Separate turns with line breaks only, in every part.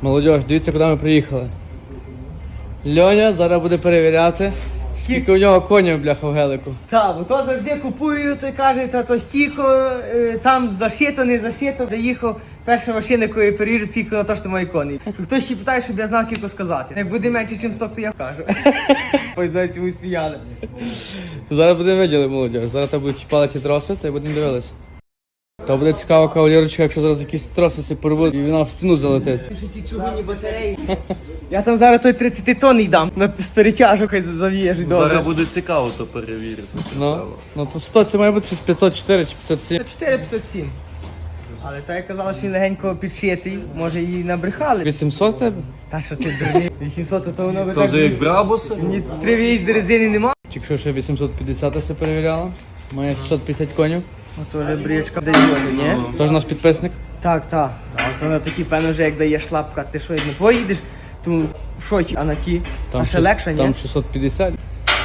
Молодіж, дивіться, куди ми приїхали. Льоня зараз буде перевіряти, скільки у нього конів, бляха, в гелику.
Так, бо то завжди купую, то каже, та то стільки, там зашито, не зашито. Заїхав, перша машина, яку я перевірю, скільки на то, що має коней. Хтось ще питає, щоб я знав, кілько сказати. Як буде менше, ніж 100, то я скажу. Ось, знаєте, ви сміяли.
Зараз будемо виділи, молодіж. Зараз там будуть чіпали ті троси, та й будемо дивитися. То буде цікаво, кавалерочка, якщо зараз якісь троси си порвуть і вона в стіну залетить.
Що ті чугунні батареї. Я там зараз той 30 тонн дам, на перетяжу, хай зав'єжу.
Зараз буде цікаво то перевірити.
Ну по 100 це має бути щось 504 чи 507.
4,507. Але та я казала, що він легенько підшитий, може її набрехали.
800 тебе?
Та що ти дурний? 800, то воно би
То
так...
вже як брабуса?
Ні, 3 виїзди резини нема.
Якщо ще 850 се перевіряла, має 650 конів.
Ото вже брічка дає, ні?
Тож наш підписник.
Так, так. А то на такі, певно, вже як дає шлапка, ти що, як на твої їдеш, то в шоці, а на ті, а ще легше, ні?
Там 650.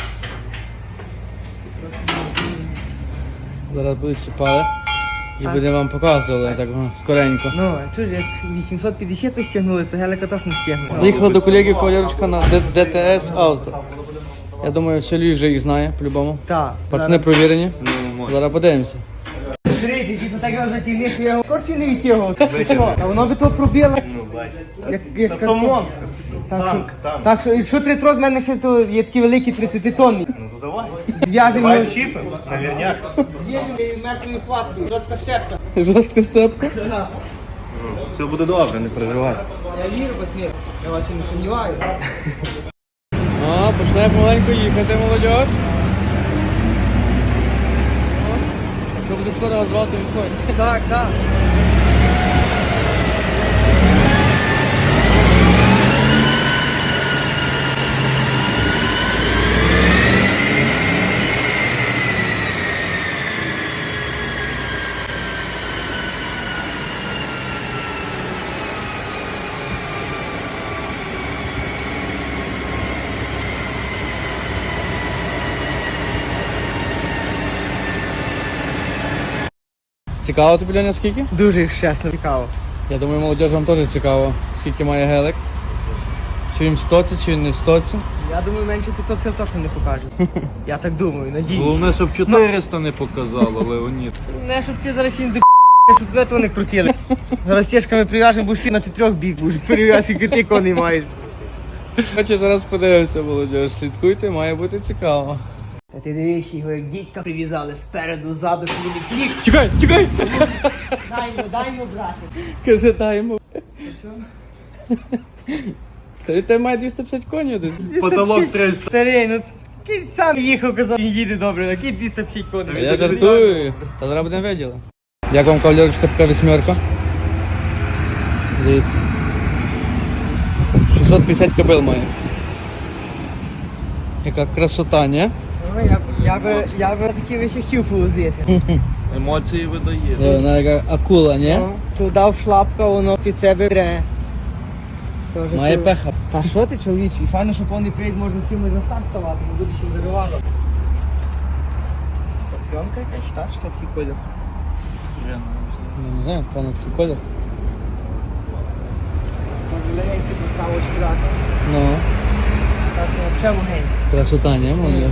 Зараз будуть чіпали і будемо вам показувати так скоренько.
Ну, а чого ж, як 850 то стягнули, то гелика точно стягнули.
Заїхали до колеги кавалерочка на ДТС Авто. Я думаю, все Львів вже їх знає, по-любому.
Так.
Пацани провірені. Зараз подивимося.
Смотрите, типу так його затягнеш, я його корчі не відтягував. А воно би то пробило. Як
То монстр.
Так, так що, якщо 3 троз, в мене ще то є такі великі 30 тонні.
Ну то давай.
Зв'яжемо,
Давай вчіпимо, наверняк.
з'їжджемо мертвою хваткою, жорстка щепка.
Жорстка сцепка.
Так.
Все буде добре, не переживай.
Я вірю, посміх, я вас і не сумніваю.
О, почне помаленьку їхати, молодь. Якщо буде скоро розвал, то відходь.
Так, так.
Цікаво тобі, Льоня, скільки?
Дуже чесно цікаво.
Я думаю, молодіж вам теж цікаво, скільки має гелик. Чи він в стоці, чи він не в стоці.
Я думаю, менше 500 це точно не покажуть. Я так думаю, надіюсь.
Головне, щоб 400 не показало, Леонід.
Не, щоб ти зараз їм до щоб тебе то не крутили. Зараз стежками прив'яжемо, будеш ти на 4 бік, будеш перев'яз, скільки ти коней маєш.
Хоче зараз подивимося, молодіж. Слідкуйте, має бути цікаво.
Та ти дивись, його як дідька прив'язали спереду, ззаду, щоб він не клік.
Чекай, чекай!
Дай йому, брати.
Каже, дай йому. Та від тебе має 250 конів десь.
Потолок 300.
Старий, ну кінь сам їхав, казав, він їде добре, на кінь 250 коней.
Я жартую. Та зараз будемо виділи. Як вам, кавалерочка, така вісьмерка? Дивіться. 650 кобил має. Яка красота, ні?
Ну, я би такі вещі хотів повозити.
Емоції видає.
Вона яка акула, ні?
Ну, то дав шлапка, воно під себе бере. Тоже
Має
то-
пеха.
Та що ти, чоловічий? Файно, що повний привід можна з кимось за старт ставати, не буде ще заривало. Пленка якась, так? Що такий колір?
Ну, не знаю, певно такий колір.
Може легенький поставочки дати.
Ну,
Так, ну, взагалі легенький.
красота, ні, молодіж?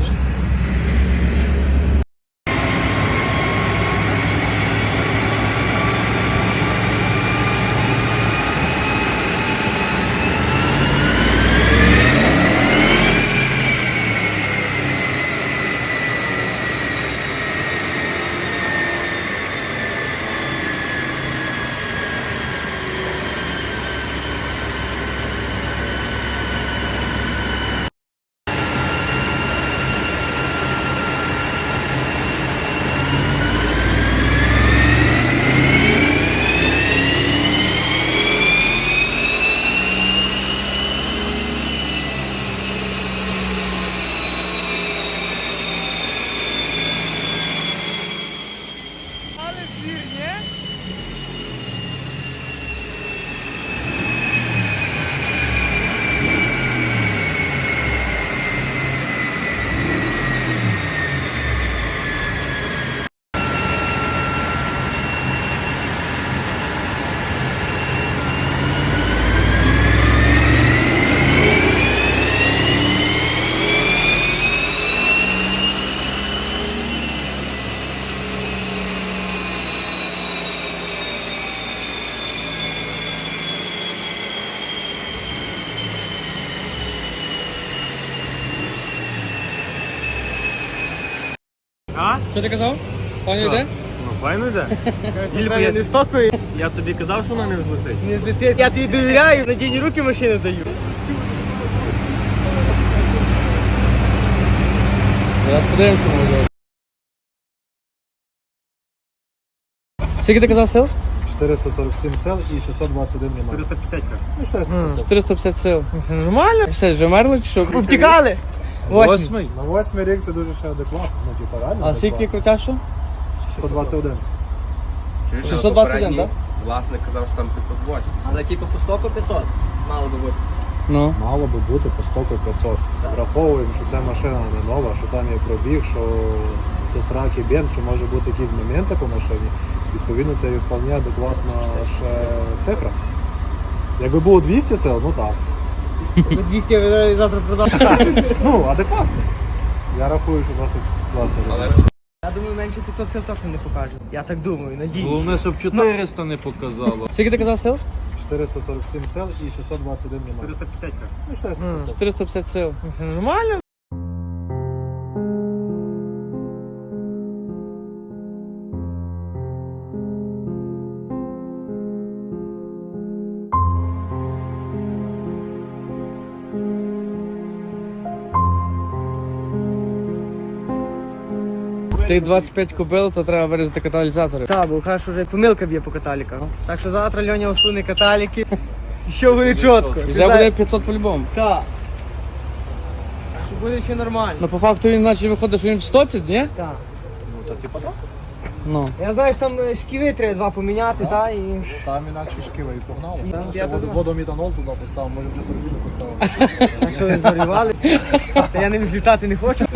Що ти казав? Пані
Що?
йде?
Ну файно йде.
Ільба, я не стокою,
Я тобі казав, що вона не взлетить.
не злетить. Я тобі довіряю, надійні руки машини даю.
Зараз подивимося, молодь. Скільки ти казав сил?
447 сел і 621 немає.
450 каже.
Ну, 450.
450 сил.
Це нормально?
Все, вже мерли чи що?
Повтікали? Восьмий.
Восьмий.
На 8 рік це дуже ще адекватно. Ну, типа, реально.
А скільки крутяшу?
121.
Чуєш,
621, так?
Власник казав, що там 580. Але типу по стоку 500 мало би бути.
Ну.
Мало би бути по стоку 500. Враховуємо, що ця машина не нова, що там є пробіг, що до сраки бенз, що може бути якісь моменти по машині. Відповідно, це є вполне адекватна ще цифра. Якби було 200 сел, ну так.
Ви 200 ви завтра продав.
Ну, адекватно. Я рахую, що досить класний
Але
результат.
Я думаю, менше 500 сил точно не покажу. Я так думаю, надіюсь.
Головне, щоб 400 не показало.
Скільки ти казав сил?
447 сел і 621 немає.
450 каже.
Ну, 450.
450 сил.
Це нормально?
Тих 25 купив, то треба вирізати каталізатори.
Так, бо кажуть, що вже помилка б'є по каталіках. Так що завтра Льоня усуне каталіки. І що буде чітко.
І вже буде 500 по-любому.
Так. Що буде все нормально.
Ну по факту він наче виходить, що він в 100, ні?
Так.
Ну, то типа так.
Ну.
Я знаю, що там шківи треба два поміняти, та і.
Там інакше шківа і погнали.
Я
Ще
то знаю.
водомітанол туди поставив, може вже турбіну поставив.
А що ви зварювали? Та я ним злітати не хочу.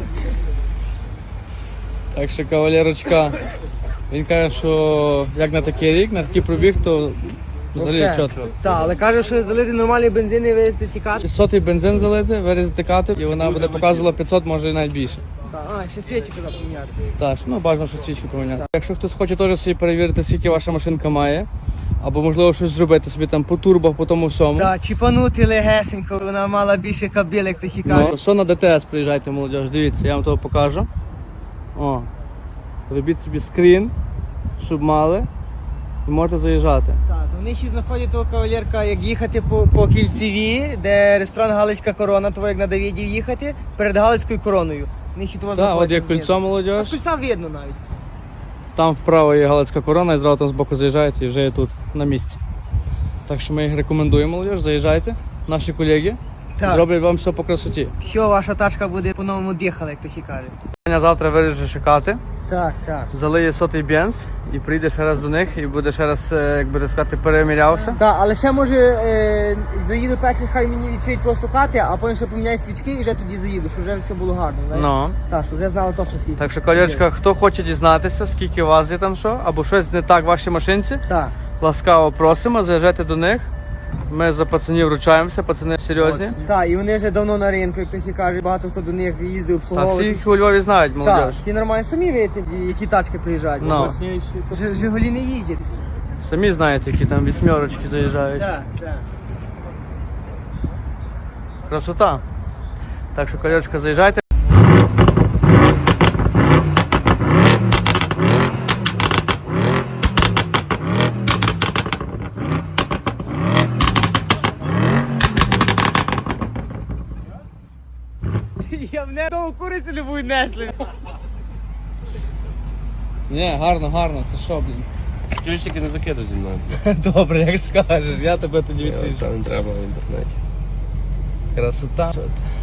Так що кавалерочка, він каже, що як на такий рік, на такий пробіг, то взагалі чітко.
Так, але каже, що залити нормальний бензин і вивезти тікати.
600 бензин залити, вирізати кати, і вона буде показувала 500, може і навіть більше.
А, ще свічі куди поміняти.
Так, ну бажано, що свічки поміняти. Якщо хтось хоче теж собі перевірити, скільки ваша машинка має, або можливо щось зробити собі там по турбах, по тому всьому.
Так, чіпанути легесенько, вона мала більше кабель, як хтось і каже.
Ну, що на ДТС приїжджайте, молодь, дивіться, я вам того покажу. О, робіть собі скрін, щоб мали, і можете заїжджати.
Так, то вони ще знаходять того кавалерка, як їхати по Кільцеві, де ресторан Галицька корона, того як на Давидів їхати, перед Галицькою короною. Вони ще того
Так, от
знаходять.
є кольцо,
А
молодь,
з кольця видно навіть.
там вправо є Галицька корона, і зразу там збоку заїжджаєте і вже є тут, на місці. Так що ми їх рекомендуємо, молодь, заїжджайте, наші колеги,
Так.
зроблять вам все по красоті.
Що ваша тачка буде по-новому дихала, як хтось і каже.
Я завтра виріже шикати.
Так, так.
Залиє сотий бенз і прийде ще раз до них і буде ще раз, як би сказати, перемірявся.
Так, але ще може заїду перший, хай мені відчують просто кати, а потім ще поміняю свічки і вже тоді заїду, щоб вже все було гарно. Знаєш?
Ну.
Так, щоб вже знали точно скільки.
Так що, колячка, хто хоче дізнатися, скільки у вас є там що, або щось не так в вашій машинці,
Так.
ласкаво просимо, заїжджайте до них. Ми за пацанів вручаємося, пацани серйозні.
Так, і вони вже давно на ринку, як хтось і каже, багато хто до них їздив
Та
обслуговувати.
всі у Львові знають,
Так,
молодь.
всі нормально самі видите, які тачки приїжджають.
Ну.
Жигулі не їздять.
Самі знаєте, які там вісьмерочки заїжджають.
Так, так.
Красота. Так що, колячка, заїжджайте.
Я в небо куриці не будуть несли.
Ні, гарно, гарно, ти що, блін.
чуєш, тільки не закидай зі мною.
Добре, як скажеш, я тебе тоді відвіжу.
Це не треба в інтернеті.
Красота.